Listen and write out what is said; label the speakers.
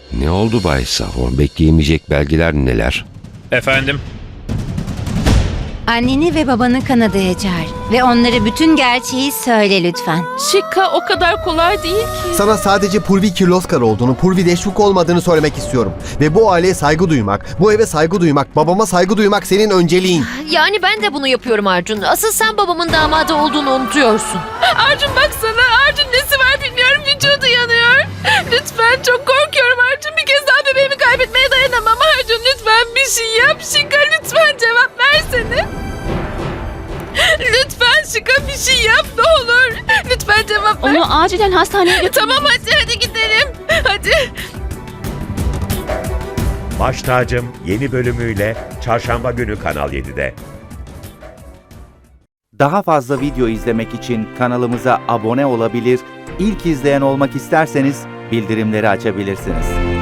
Speaker 1: Ne oldu Bay Sahor? Bekleyemeyecek belgeler neler?
Speaker 2: Efendim?
Speaker 3: Anneni ve babanı Kanada'ya çağır ve onlara bütün gerçeği söyle lütfen.
Speaker 4: Şika o kadar kolay değil ki.
Speaker 5: Sana sadece Purvi Kirloskar olduğunu, Purvi Deşvuk olmadığını söylemek istiyorum. Ve bu aileye saygı duymak, bu eve saygı duymak, babama saygı duymak senin önceliğin.
Speaker 6: Yani ben de bunu yapıyorum Arjun. Asıl sen babamın damadı olduğunu unutuyorsun.
Speaker 4: Arjun baksana. Arjun nesi var bilmiyorum. Vücudu yanıyor. Lütfen çok korkuyorum Arjun. Bir kez daha bebeğimi kaybetmeye dayanamam. Arjun lütfen bir şey yap. Şika lütfen cevap versene. Lütfen Şika bir şey yap ne olur. Lütfen cevap ver.
Speaker 7: Onu acilen hastaneye götür.
Speaker 4: Tamam hadi gidelim. Hadi.
Speaker 8: Baş Tacım yeni bölümüyle Çarşamba günü Kanal 7'de.
Speaker 9: Daha fazla video izlemek için kanalımıza abone olabilir, ilk izleyen olmak isterseniz bildirimleri açabilirsiniz.